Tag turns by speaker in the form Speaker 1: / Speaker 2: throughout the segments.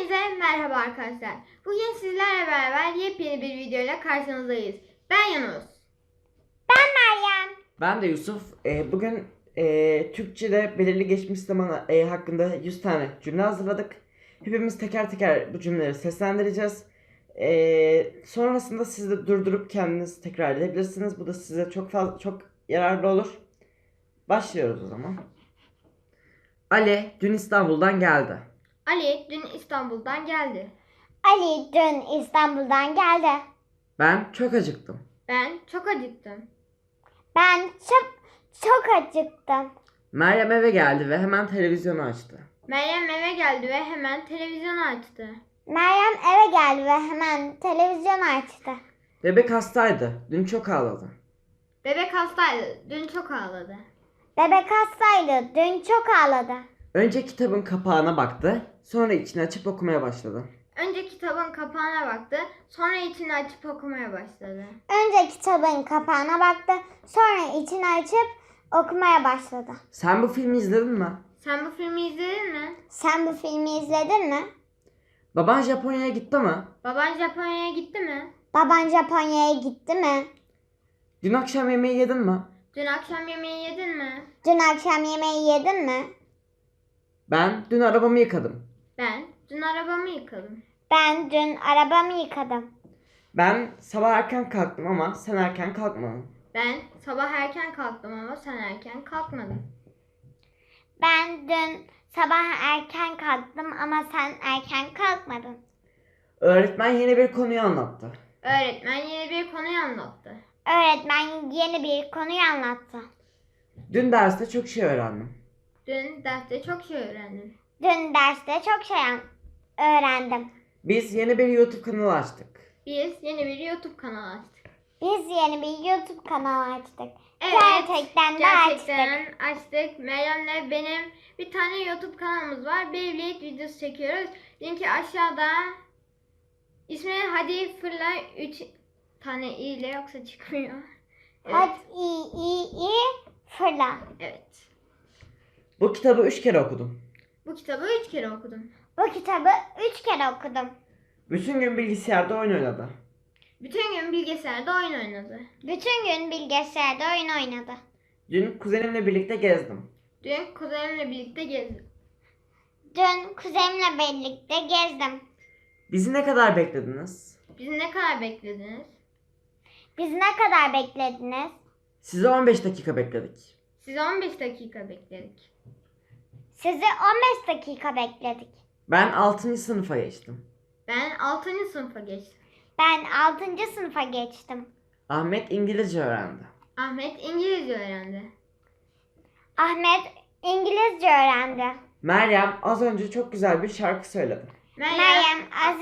Speaker 1: Hepinize merhaba arkadaşlar. Bugün sizlerle beraber yepyeni bir videoyla karşınızdayız. Ben Yunus.
Speaker 2: Ben Meryem.
Speaker 3: Ben de Yusuf. Bugün Türkçe'de belirli geçmiş zaman hakkında 100 tane cümle hazırladık. Hepimiz teker teker bu cümleleri seslendireceğiz. Sonrasında siz de durdurup kendiniz tekrar edebilirsiniz. Bu da size çok yararlı olur. Başlıyoruz o zaman. Ali dün İstanbul'dan geldi.
Speaker 1: Ali dün İstanbul'dan geldi.
Speaker 2: Ali dün İstanbul'dan geldi.
Speaker 3: Ben çok acıktım.
Speaker 1: Ben çok acıktım.
Speaker 2: Ben çok acıktım.
Speaker 3: Meryem eve geldi ve hemen televizyonu açtı.
Speaker 1: Meryem eve geldi ve hemen televizyonu açtı.
Speaker 2: Meryem eve geldi ve hemen televizyon açtı.
Speaker 3: Bebek hastaydı. Dün çok ağladı.
Speaker 1: Bebek hastaydı. Dün çok ağladı.
Speaker 2: Bebek hastaydı. Dün çok ağladı.
Speaker 3: Önce kitabın kapağına baktı. Sonra içini açıp okumaya başladı.
Speaker 1: Önce kitabın kapağına baktı. Sonra içini açıp okumaya başladı.
Speaker 2: Önce kitabın kapağına baktı. Sonra içini açıp okumaya başladı.
Speaker 3: Sen bu filmi izledin mi?
Speaker 1: Sen bu filmi izledin mi?
Speaker 2: Sen bu filmi izledin mi?
Speaker 3: Baban Japonya'ya gitti mi?
Speaker 1: Baban Japonya'ya gitti mi?
Speaker 2: Baban Japonya'ya gitti mi?
Speaker 3: Dün akşam yemeği yedin mi?
Speaker 1: Dün akşam yemeği yedin mi?
Speaker 2: Dün akşam yemeği yedin mi?
Speaker 3: Ben dün arabamı yıkadım.
Speaker 1: Ben dün arabamı yıkadım.
Speaker 2: Ben dün arabamı yıkadım.
Speaker 3: Ben sabah erken kalktım ama sen erken kalkmadın.
Speaker 1: Ben sabah erken kalktım ama sen erken kalkmadın.
Speaker 2: Ben dün sabah erken kalktım ama sen erken kalkmadın.
Speaker 3: Öğretmen yeni bir konuyu anlattı.
Speaker 1: Öğretmen yeni bir konuyu anlattı.
Speaker 2: Öğretmen yeni bir konuyu anlattı.
Speaker 3: Dün derste çok şey öğrendim.
Speaker 1: Dün derste çok şey öğrendim.
Speaker 2: Dün derste çok şey öğrendim.
Speaker 3: Biz yeni bir YouTube kanalı açtık.
Speaker 1: Biz yeni bir YouTube kanalı açtık.
Speaker 2: Biz yeni bir YouTube kanalı açtık.
Speaker 1: Evet,
Speaker 2: Gerçekten de açtık.
Speaker 1: gerçekten açtık. Meryem'le benim bir tane YouTube kanalımız var. Beyblade videosu çekiyoruz. Linki aşağıda. İsmi Hadi Fırla 3 tane i ile yoksa çıkmıyor. Evet.
Speaker 2: Hadi iyi fırla.
Speaker 1: Evet.
Speaker 3: Bu kitabı 3 kere okudum.
Speaker 1: Bu kitabı 3 kere okudum.
Speaker 2: Bu kitabı 3 kere okudum.
Speaker 3: Bütün gün bilgisayarda oyun oynadı.
Speaker 1: Bütün gün bilgisayarda oyun oynadı.
Speaker 2: Bütün gün bilgisayarda oyun oynadı.
Speaker 3: Dün kuzenimle birlikte gezdim.
Speaker 1: Dün kuzenimle birlikte gezdim.
Speaker 2: Dün kuzenimle birlikte gezdim.
Speaker 3: Bizi ne kadar beklediniz?
Speaker 1: Bizi ne kadar beklediniz?
Speaker 2: Bizi ne kadar beklediniz?
Speaker 3: Sizi 15 dakika bekledik.
Speaker 1: Sizi 15 dakika bekledik.
Speaker 2: Sizi 15 dakika bekledik.
Speaker 3: Ben 6. sınıfa geçtim.
Speaker 1: Ben 6. sınıfa geçtim.
Speaker 2: Ben 6. sınıfa geçtim.
Speaker 3: Ahmet İngilizce öğrendi.
Speaker 1: Ahmet İngilizce öğrendi.
Speaker 2: Ahmet İngilizce öğrendi.
Speaker 3: Meryem az önce çok güzel bir şarkı söyledi.
Speaker 2: Meryem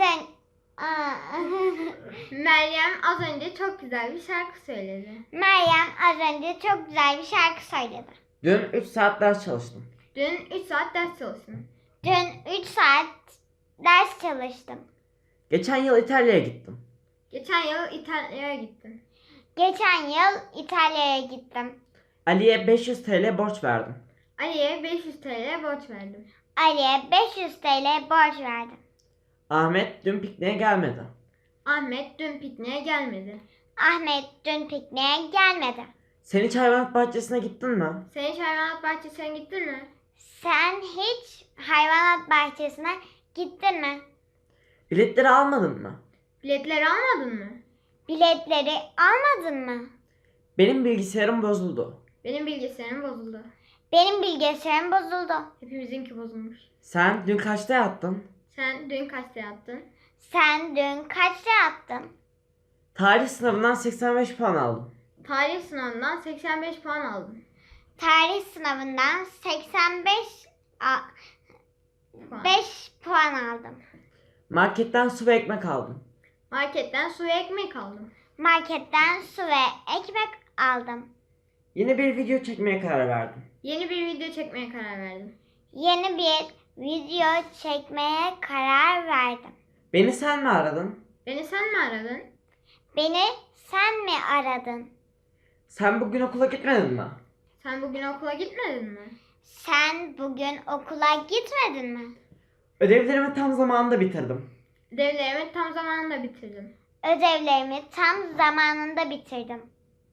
Speaker 1: Az önce çok güzel bir şarkı söyledi.
Speaker 2: Meryem az önce çok güzel bir şarkı söyledi.
Speaker 3: Dün 3 saat ders çalıştım.
Speaker 1: Dün 3 saat ders çalıştım.
Speaker 2: Dün 3 saat ders çalıştım.
Speaker 3: Geçen yıl İtalya'ya gittim.
Speaker 1: Geçen yıl İtalya'ya gittim.
Speaker 2: Geçen yıl İtalya'ya gittim.
Speaker 3: Ali'ye 500 TL borç verdim.
Speaker 1: Ali'ye 500 TL borç verdim.
Speaker 2: Ali'ye 500 TL borç verdim.
Speaker 3: Ahmet dün pikniğe gelmedi.
Speaker 1: Ahmet dün pikniğe gelmedi.
Speaker 2: Ahmet dün pikniğe gelmedi.
Speaker 3: Sen hiç hayvanat bahçesine gittin mi?
Speaker 1: Sen hiç hayvanat bahçesine gittin mi?
Speaker 2: Sen hiç hayvanat bahçesine gittin mi?
Speaker 3: Biletleri almadın mı?
Speaker 1: Biletleri almadın mı?
Speaker 2: Biletleri almadın mı?
Speaker 3: Benim bilgisayarım bozuldu.
Speaker 1: Benim bilgisayarım bozuldu.
Speaker 2: Benim bilgisayarım bozuldu.
Speaker 1: Hepimizinki bozulmuş.
Speaker 3: Sen dün kaçta yattın?
Speaker 1: Sen dün kaçta yattın?
Speaker 2: Sen dün kaçta yattın?
Speaker 3: Tarih sınavından 85 puan aldım.
Speaker 1: Tarih sınavından 85 puan aldım.
Speaker 2: Tarih sınavından 85
Speaker 1: Puan.
Speaker 2: 5 puan aldım.
Speaker 3: Marketten su ve ekmek aldım.
Speaker 1: Marketten su ve ekmek aldım.
Speaker 2: Marketten su ve ekmek aldım.
Speaker 3: Yeni bir video çekmeye karar verdim.
Speaker 1: Yeni bir video çekmeye karar verdim.
Speaker 2: Yeni bir video çekmeye karar verdim.
Speaker 3: Beni sen mi aradın?
Speaker 1: Beni sen mi aradın?
Speaker 2: Beni sen mi aradın?
Speaker 3: Sen bugün okula gitmedin mi?
Speaker 1: Sen bugün okula gitmedin mi?
Speaker 2: Sen bugün okula gitmedin mi?
Speaker 3: Ödevlerimi tam zamanında bitirdim.
Speaker 1: Ödevlerimi tam zamanında bitirdim.
Speaker 2: Ödevlerimi tam zamanında bitirdim.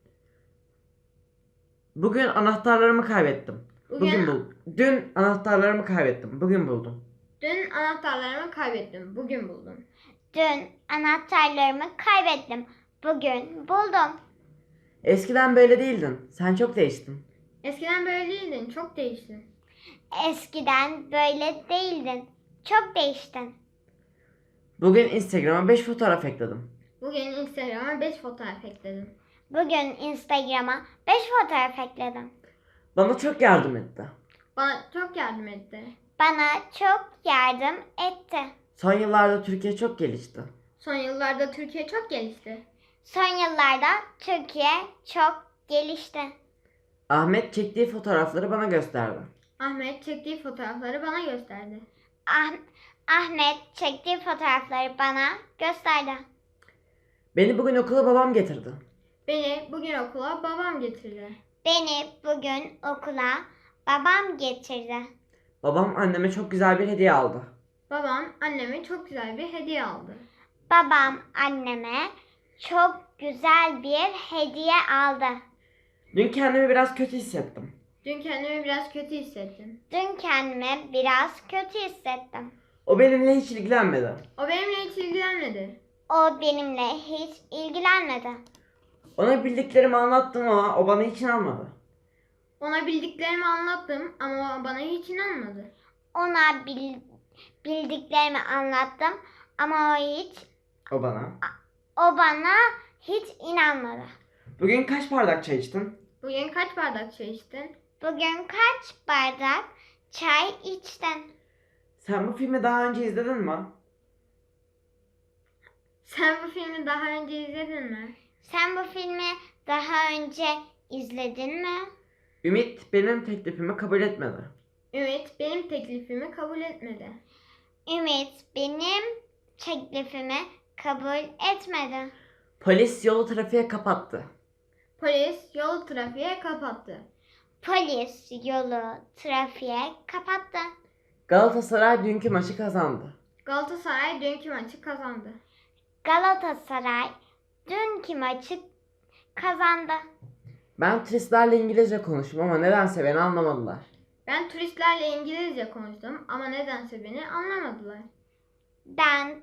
Speaker 3: Bugün anahtarlarımı kaybettim. Dün anahtarlarımı kaybettim. Bugün buldum.
Speaker 1: Dün anahtarlarımı kaybettim. Bugün buldum.
Speaker 2: Dün anahtarlarımı kaybettim. Bugün buldum.
Speaker 3: Eskiden böyle değildin. Sen çok değiştin.
Speaker 1: Eskiden böyle değildin. Çok değiştin.
Speaker 2: Eskiden böyle değildin. Çok değiştin.
Speaker 3: Bugün Instagram'a 5 fotoğraf ekledim.
Speaker 1: Bugün Instagram'a 5 fotoğraf ekledim.
Speaker 2: Bugün Instagram'a 5 fotoğraf ekledim.
Speaker 3: Bana çok yardım etti.
Speaker 1: Bana çok yardım etti.
Speaker 2: Bana çok yardım etti.
Speaker 3: Son yıllarda Türkiye çok gelişti.
Speaker 1: Son yıllarda Türkiye çok gelişti.
Speaker 2: Son yıllarda Türkiye çok gelişti.
Speaker 3: Ahmet çektiği fotoğrafları bana gösterdi.
Speaker 1: Ahmet çektiği fotoğrafları bana gösterdi.
Speaker 2: Ahmet çektiği fotoğrafları bana gösterdi.
Speaker 3: Beni bugün okula babam getirdi.
Speaker 1: Beni bugün okula babam getirdi.
Speaker 2: Beni bugün okula babam getirdi.
Speaker 3: Babam anneme çok güzel bir hediye aldı.
Speaker 1: Babam anneme çok güzel bir hediye aldı.
Speaker 2: Babam anneme çok güzel bir hediye aldı.
Speaker 3: Dün kendimi biraz kötü hissettim.
Speaker 1: Dün kendimi biraz kötü hissettim.
Speaker 2: Dün kendimi biraz kötü hissettim.
Speaker 3: O benimle hiç ilgilenmedi.
Speaker 1: O benimle hiç ilgilenmedi.
Speaker 2: O benimle hiç ilgilenmedi.
Speaker 3: Ona bildiklerimi anlattım ama o bana hiç inanmadı.
Speaker 1: Ona bildiklerimi anlattım ama o bana hiç inanmadı.
Speaker 2: Ona bildiklerimi anlattım ama
Speaker 3: O bana.
Speaker 2: o bana hiç inanmadı.
Speaker 3: Bugün kaç bardak çay içtin?
Speaker 1: Bugün kaç bardak çay içtin?
Speaker 2: Bugün kaç bardak çay içtin?
Speaker 3: Sen bu filmi daha önce izledin mi?
Speaker 1: Sen bu filmi daha önce izledin mi?
Speaker 2: Sen bu filmi daha önce izledin mi?
Speaker 3: Ümit benim teklifimi kabul etmedi.
Speaker 1: Ümit benim teklifimi kabul etmedi.
Speaker 2: Ümit benim teklifimi kabul etmedi.
Speaker 3: Polis yolu trafiğe kapattı.
Speaker 1: Polis yolu trafiğe kapattı.
Speaker 2: Polis yolu trafiğe kapattı.
Speaker 3: Galatasaray dünkü maçı kazandı.
Speaker 1: Galatasaray dünkü maçı kazandı.
Speaker 2: Galatasaray dünkü maçı kazandı.
Speaker 3: Ben turistlerle İngilizce konuştum ama nedense beni anlamadılar.
Speaker 1: Ben turistlerle İngilizce konuştum ama nedense beni anlamadılar.
Speaker 2: Ben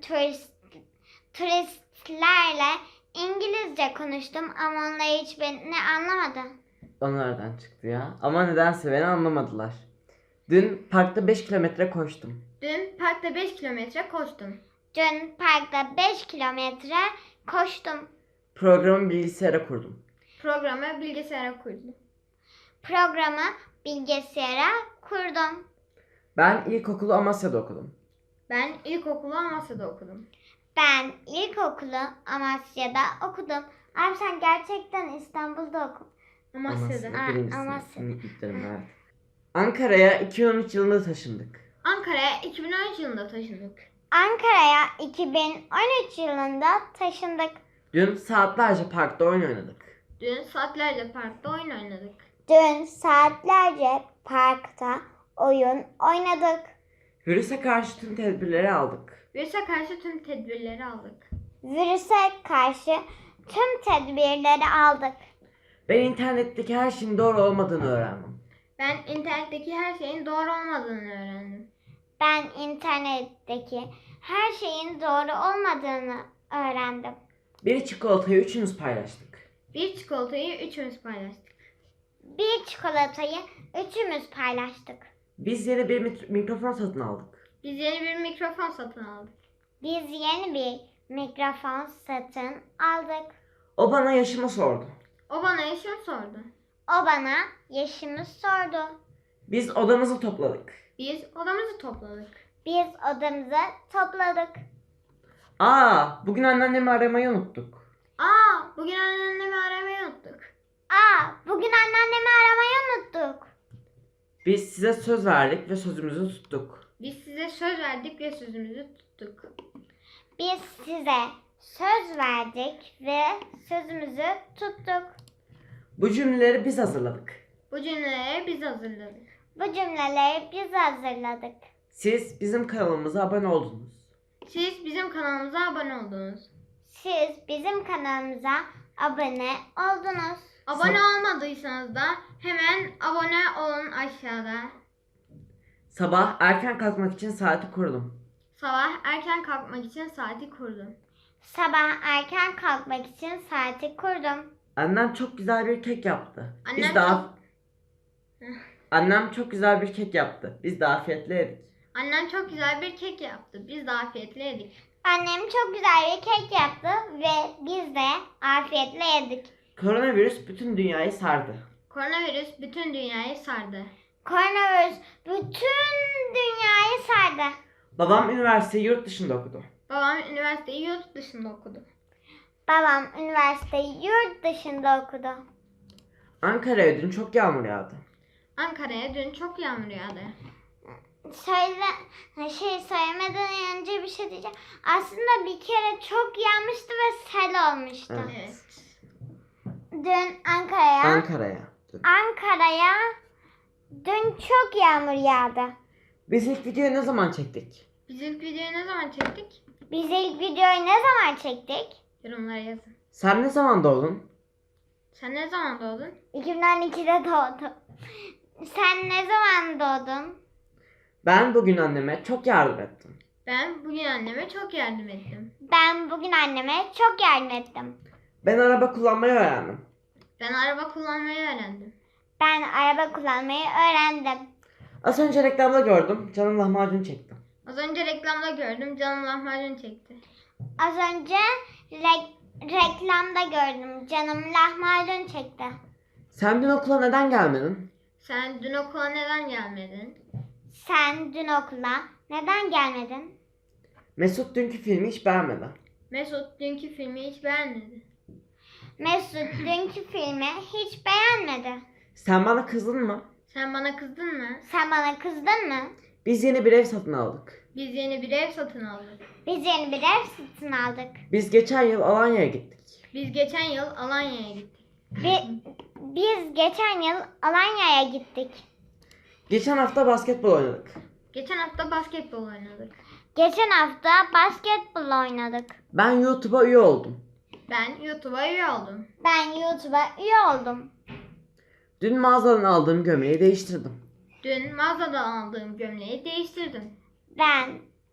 Speaker 2: turistlerle İngilizce konuştum ama onlar hiç beni anlamadı.
Speaker 3: O nereden çıktı ya? Ama nedense beni anlamadılar. Dün parkta 5 kilometre koştum.
Speaker 1: Dün parkta 5 kilometre koştum.
Speaker 2: Dün parkta 5 kilometre koştum.
Speaker 3: Programı bilgisayara kurdum.
Speaker 1: Programı bilgisayara kurdum.
Speaker 2: Programı bilgisayara kurdum.
Speaker 3: Ben ilkokulu Amasya'da okudum.
Speaker 1: Ben ilkokulu Amasya'da okudum.
Speaker 2: Ben ilkokulu Amasya'da okudum. Abi sen gerçekten İstanbul'da okudun.
Speaker 1: Amasya'da.
Speaker 2: Ha,
Speaker 3: Birinci
Speaker 2: Amasya.
Speaker 3: sınıf ilklerim, evet. Ankara'ya 2013 yılında taşındık.
Speaker 1: Ankara'ya 2013 yılında taşındık.
Speaker 2: Ankara'ya 2013 yılında taşındık.
Speaker 3: Dün saatlerce parkta oyun oynadık.
Speaker 1: Dün saatlerce parkta oyun oynadık.
Speaker 2: Dün saatlerce parkta oyun oynadık.
Speaker 3: Virüse karşı tüm tedbirleri aldık.
Speaker 1: Virüse karşı tüm tedbirleri aldık.
Speaker 2: Virüse karşı tüm tedbirleri aldık.
Speaker 3: Ben internetteki her şeyin doğru olmadığını öğrendim.
Speaker 1: Ben internetteki her şeyin doğru olmadığını öğrendim.
Speaker 2: Ben internetteki her şeyin doğru olmadığını öğrendim.
Speaker 3: Bir çikolatayı üçümüz paylaştık.
Speaker 1: Bir çikolatayı üçümüz paylaştık.
Speaker 2: Bir çikolatayı üçümüz paylaştık.
Speaker 3: Biz yeni bir mikrofon satın aldık.
Speaker 1: Biz yeni bir mikrofon satın aldık.
Speaker 2: Biz yeni bir mikrofon satın aldık.
Speaker 3: O bana yaşımı sordu.
Speaker 1: O bana yaşımı sordu.
Speaker 2: O bana yaşımı sordu.
Speaker 3: Biz odamızı topladık.
Speaker 1: Biz odamızı topladık.
Speaker 2: Biz odamızı topladık.
Speaker 3: Bugün anneannemi aramayı unuttuk.
Speaker 1: Bugün annemi aramayı unuttuk.
Speaker 2: Bugün anneannemi aramayı unuttuk.
Speaker 3: Biz size söz verdik ve sözümüzü tuttuk.
Speaker 1: Biz size söz verdik ve sözümüzü tuttuk.
Speaker 2: Biz size söz verdik ve sözümüzü tuttuk.
Speaker 3: Bu cümleleri biz hazırladık.
Speaker 1: Bu cümleleri biz hazırladık.
Speaker 2: Bu cümleleri biz hazırladık.
Speaker 3: Siz bizim kanalımıza abone oldunuz.
Speaker 1: Siz bizim kanalımıza abone oldunuz.
Speaker 2: Siz bizim kanalımıza abone oldunuz.
Speaker 1: Abone olmadıysanız da hemen abone olun aşağıda.
Speaker 3: Sabah erken kalkmak için saati kurdum.
Speaker 1: Sabah erken kalkmak için saati kurdum.
Speaker 2: Sabah erken kalkmak için saati kurdum.
Speaker 3: Annem çok güzel bir kek yaptı.
Speaker 1: Annem
Speaker 3: Annem çok güzel bir kek yaptı. Biz de afiyetle yedik.
Speaker 1: Annem çok güzel bir kek yaptı. Biz de afiyetle yedik.
Speaker 2: Annem çok güzel bir kek yaptı ve biz de afiyetle yedik.
Speaker 3: Koronavirüs bütün dünyayı sardı.
Speaker 1: Koronavirüs bütün dünyayı sardı.
Speaker 2: Koronavirüs bütün dünyayı sardı.
Speaker 3: Babam üniversiteyi yurt dışında okudu.
Speaker 1: Babam üniversiteyi yurt dışında okudu.
Speaker 2: Babam üniversiteyi yurt dışında okudu.
Speaker 3: Ankara'ya dün çok yağmur yağdı.
Speaker 1: Ankara'ya dün çok yağmur yağdı.
Speaker 2: Söylemeden önce bir şey diyeceğim. Aslında bir kere çok yağmıştı ve sel olmuştu.
Speaker 3: Evet.
Speaker 2: Dün
Speaker 3: Ankara'ya.
Speaker 2: Ankara'ya dün çok yağmur yağdı.
Speaker 3: Biz ilk videoyu ne zaman çektik?
Speaker 1: Biz ilk videoyu ne zaman çektik?
Speaker 2: Biz ilk videoyu ne zaman çektik?
Speaker 1: Yorumlara yazın.
Speaker 3: Sen ne zaman doğdun?
Speaker 1: Sen ne zaman doğdun?
Speaker 2: 2012'de doğdum. Sen ne zaman doğdun?
Speaker 3: Ben bugün anneme çok yardım ettim.
Speaker 1: Ben bugün anneme çok yardım ettim.
Speaker 2: Ben bugün anneme çok yardım ettim.
Speaker 3: Ben araba kullanmayı öğrendim.
Speaker 1: Ben araba kullanmayı öğrendim.
Speaker 2: Ben araba kullanmayı öğrendim.
Speaker 3: Az önce reklamda gördüm. Canım lahmacun çekti.
Speaker 1: Az önce reklamda gördüm. Canım lahmacun çekti.
Speaker 2: Az önce reklamda gördüm. Canım lahmacun çekti.
Speaker 3: Sen dün okula neden gelmedin?
Speaker 1: Sen dün okula neden gelmedin?
Speaker 2: Sen dün okula neden gelmedin?
Speaker 3: Mesut dünkü filmi hiç beğenmedi.
Speaker 1: Mesut dünkü filmi hiç beğenmedi.
Speaker 2: Mesut dünkü filmi hiç beğenmedi.
Speaker 3: Sen bana kızdın mı?
Speaker 1: Sen bana kızdın mı?
Speaker 2: Sen bana kızdın mı?
Speaker 3: Biz yeni bir ev satın aldık.
Speaker 1: Biz yeni bir ev satın aldık.
Speaker 2: Biz yeni bir ev satın aldık.
Speaker 3: Biz geçen yıl Alanya'ya gittik.
Speaker 1: Biz geçen yıl Alanya'ya gittik.
Speaker 2: Biz geçen yıl Alanya'ya gittik.
Speaker 3: Geçen hafta basketbol oynadık.
Speaker 1: Geçen hafta basketbol oynadık.
Speaker 2: Geçen hafta basketbol oynadık.
Speaker 3: Ben YouTube'a üye oldum.
Speaker 1: Ben YouTube'a üye oldum.
Speaker 2: Ben YouTube'a üye oldum.
Speaker 3: Dün mağazadan aldığım gömleği değiştirdim.
Speaker 1: Dün mağazadan aldığım gömleği değiştirdim.
Speaker 2: Ben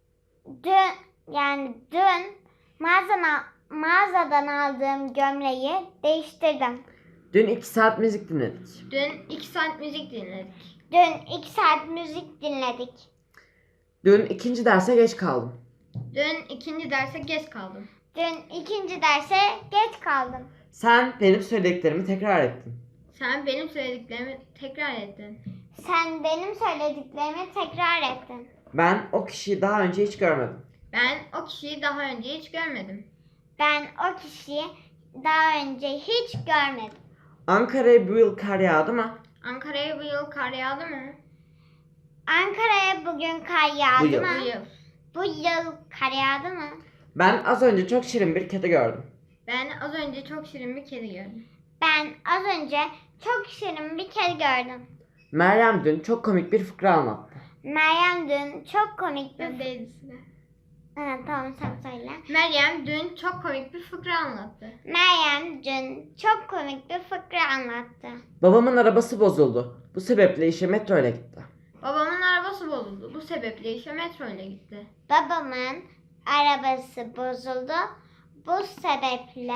Speaker 2: dün mağazadan aldığım gömleği değiştirdim.
Speaker 3: Dün 2 saat müzik dinledik.
Speaker 1: Dün 2 saat müzik dinledik.
Speaker 2: Dün 2 saat müzik dinledik.
Speaker 3: Dün ikinci derse geç kaldım.
Speaker 1: Dün ikinci derse geç kaldım.
Speaker 2: Dün ikinci derse geç kaldım.
Speaker 3: Sen benim söylediklerimi tekrar ettin.
Speaker 1: Sen benim söylediklerimi tekrar ettin.
Speaker 2: Sen benim söylediklerimi tekrar ettin.
Speaker 3: Ben o kişiyi daha önce hiç görmedim.
Speaker 1: Ben o kişiyi daha önce hiç görmedim.
Speaker 2: Ben o kişiyi daha önce hiç görmedim.
Speaker 3: Ankara'ya bu yıl kar yağdı mı?
Speaker 1: Ankara'ya bu yıl kar yağdı mı?
Speaker 2: Ankara'ya bugün kar
Speaker 3: Bu
Speaker 2: yağdı
Speaker 3: yıl.
Speaker 2: mı?
Speaker 1: Bu yıl.
Speaker 2: Bu yıl kar yağdı mı?
Speaker 3: Ben az önce çok şirin bir kedi gördüm.
Speaker 1: Ben az önce çok şirin bir kedi gördüm.
Speaker 2: Ben az önce çok şirin bir kedi gördüm.
Speaker 3: Meryem dün çok komik bir fıkra anlattı.
Speaker 2: Meryem dün çok komik bir...
Speaker 1: Ben değildi sıra.
Speaker 2: Ha, tamam sen söyle.
Speaker 1: Meryem dün çok komik bir fıkra anlattı.
Speaker 2: Meryem dün çok komik bir fıkra anlattı.
Speaker 3: Babamın arabası bozuldu. Bu sebeple işe metro ile gitti.
Speaker 1: Babamın arabası bozuldu. Bu sebeple işe metro ile gitti.
Speaker 2: Babamın arabası bozuldu. Bu sebeple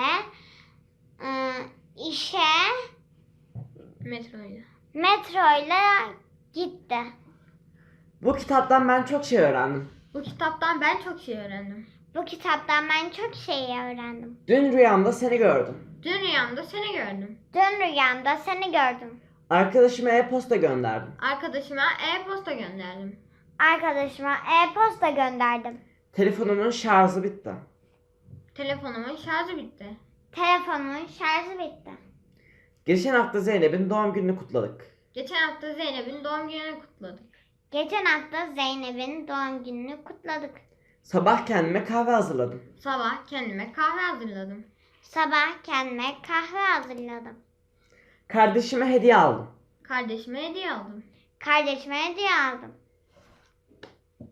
Speaker 2: işe
Speaker 1: Metro ile.
Speaker 2: metroyla gitti.
Speaker 3: Bu kitaptan ben çok şey öğrendim.
Speaker 1: Bu kitaptan ben çok şey öğrendim.
Speaker 2: Bu kitaptan ben çok şey öğrendim.
Speaker 3: Dün rüyamda seni gördüm.
Speaker 1: Dün rüyamda seni gördüm.
Speaker 2: Dün rüyamda seni gördüm.
Speaker 3: Arkadaşıma e-posta gönderdim.
Speaker 1: Arkadaşıma e-posta gönderdim.
Speaker 2: Arkadaşıma e-posta gönderdim.
Speaker 3: Telefonumun şarjı bitti.
Speaker 1: Telefonumun şarjı bitti.
Speaker 2: Telefonumun şarjı bitti.
Speaker 3: Geçen hafta Zeynep'in doğum gününü kutladık.
Speaker 1: Geçen hafta Zeynep'in doğum gününü kutladık.
Speaker 2: Geçen hafta Zeynep'in doğum gününü kutladık.
Speaker 3: Sabah kendime kahve hazırladım.
Speaker 1: Sabah kendime kahve hazırladım.
Speaker 2: Sabah kendime kahve hazırladım.
Speaker 3: Kardeşime hediye aldım.
Speaker 1: Kardeşime hediye aldım.
Speaker 2: Kardeşime hediye aldım.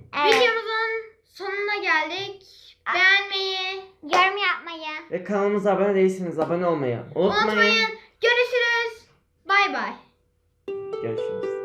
Speaker 2: Evet.
Speaker 1: Videomuzun sonuna geldik. Beğenmeyi
Speaker 2: Yorum yapmayı.
Speaker 3: Ve kanalımıza abone değilseniz abone olmayı unutmayın.
Speaker 1: unutmayın. Görüşürüz. Bay bay.
Speaker 3: Görüşürüz.